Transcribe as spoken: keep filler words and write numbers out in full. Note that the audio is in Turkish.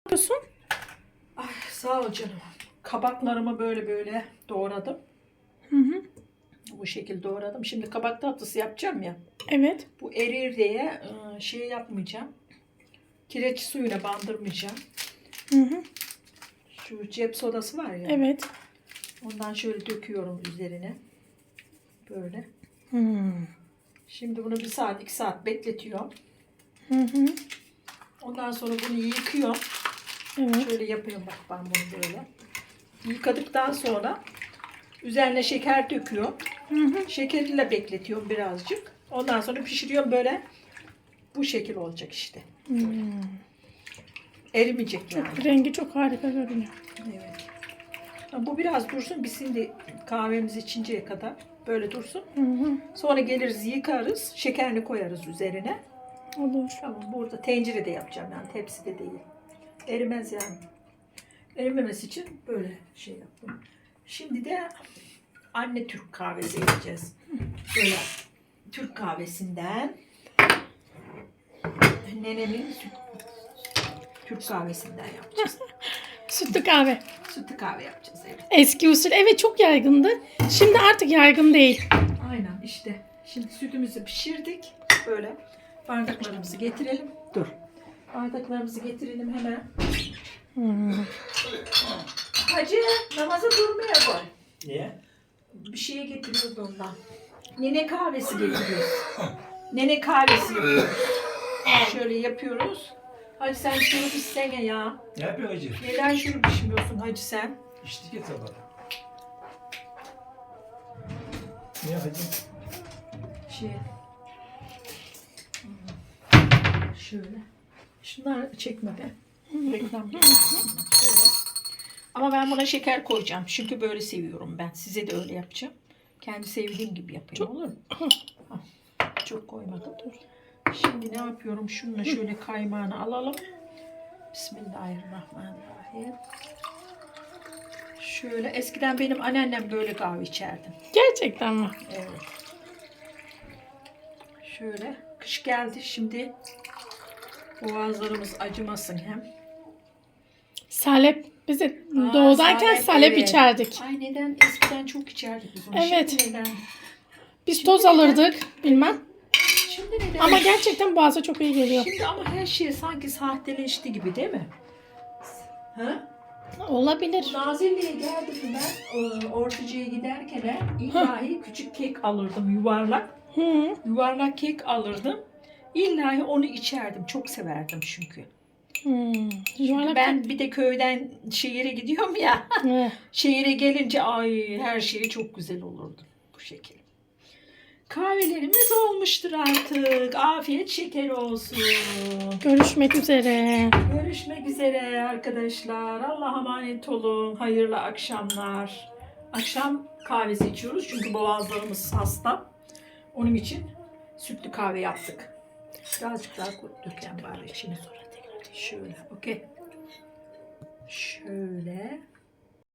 yapıyorsun? Ay, sağ ol canım. Kabaklarımı böyle böyle doğradım. Hı hı. Bu şekilde doğradım. Şimdi kabak tatlısı yapacağım ya. Evet. Bu erir diye ıı, şey yapmayacağım. Kireç suyuna bandırmayacağım. Hı hı. Şu cep sodası var ya. Evet. Ondan şöyle döküyorum üzerine. Böyle. Hmm. Şimdi bunu bir saat iki saat bekletiyorum. Hı hı. Ondan sonra bunu yıkıyorum. Evet. Şöyle yapıyorum bak ben bunu böyle. Yıkadıktan sonra üzerine şeker döküyorum. Hı hı. Şekeriyle bekletiyorum birazcık. Ondan sonra pişiriyorum böyle. Bu şekil olacak işte. Hmm. Erimeyecek yani. Çok, rengi çok harika görünüyor. Evet. Bu biraz dursun. Biz şimdi kahvemizi içinceye kadar böyle dursun. Hı hı. Sonra geliriz yıkarız. Şekerini koyarız üzerine. Olur. Tamam, burada tencerede yapacağım yani tepside değil. Erimez yani. Erimemesi için böyle şey yaptım. Şimdi de anne Türk kahvesi yapacağız. Böyle Türk kahvesinden nenemin süt, Türk kahvesinden yapacağız. Sütlü kahve. Sütlü kahve yapacağız evet. Eski usul. Evet, çok yaygındı. Şimdi artık yaygın değil. Aynen işte. Şimdi sütümüzü pişirdik. Böyle bardaklarımızı getirelim. Dur. Bardaklarımızı getirelim hemen. Hmm. Hacı namaza durmaya koy. Niye? Bir şeye getiriyoruz ondan. Nene kahvesi getiriyoruz. Nene kahvesi yapıyoruz. Şöyle yapıyoruz. Hacı sen şurup istene ya. Ne yapıyor hacı? Neden şurup içmiyorsun hacı sen? İçtik ya sabah. Niye hacı? Şey. Şöyle. Şunlar çekme be. Reklam gibi. Şöyle. Ama ben buna şeker koyacağım. Çünkü böyle seviyorum ben. Size de öyle yapacağım. Kendi sevdiğim gibi yapayım. Olur mu? Hah, çok koymadım. Dur. Şimdi ne yapıyorum? Şununla şöyle kaymağını alalım. Bismillahirrahmanirrahim. Şöyle eskiden benim anneannem böyle kahve içerdi. Gerçekten mi? Evet. Şöyle kış geldi şimdi boğazlarımız acımasın hem. Salep. Biz de Aa, doğudayken salep, salep, evet. içerdik. Ay neden eskiden çok içerdik biz onu. Evet. Şimdi neden? Biz Şimdi toz neden? alırdık. Bilmem. Şimdi neden? Ama gerçekten boğaza çok iyi geliyor. Şimdi ama her şey sanki sahteleşti gibi değil mi? Ha? Olabilir. Nazilli'ye geldim ben. e, Ortacı'ya giderken he, ilahi küçük kek alırdım yuvarlak. Hı. Yuvarlak kek alırdım. İllahi onu içerdim. Çok severdim çünkü. Hmm. Çünkü Yuvarlak. ben bir de köyden şehire gidiyorum ya. Evet. Şehire gelince ay her şey çok güzel olurdu bu şekilde. Kahvelerimiz olmuştur artık. Afiyet şeker olsun. Görüşmek üzere. Görüşmek üzere arkadaşlar. Allah'a emanet olun. Hayırlı akşamlar. Akşam kahvesi içiyoruz çünkü boğazlarımız hasta. Onun için sütlü kahve yaptık. Birazcık daha döken bari içine sonra tekrar. Şöyle, okey. Şöyle.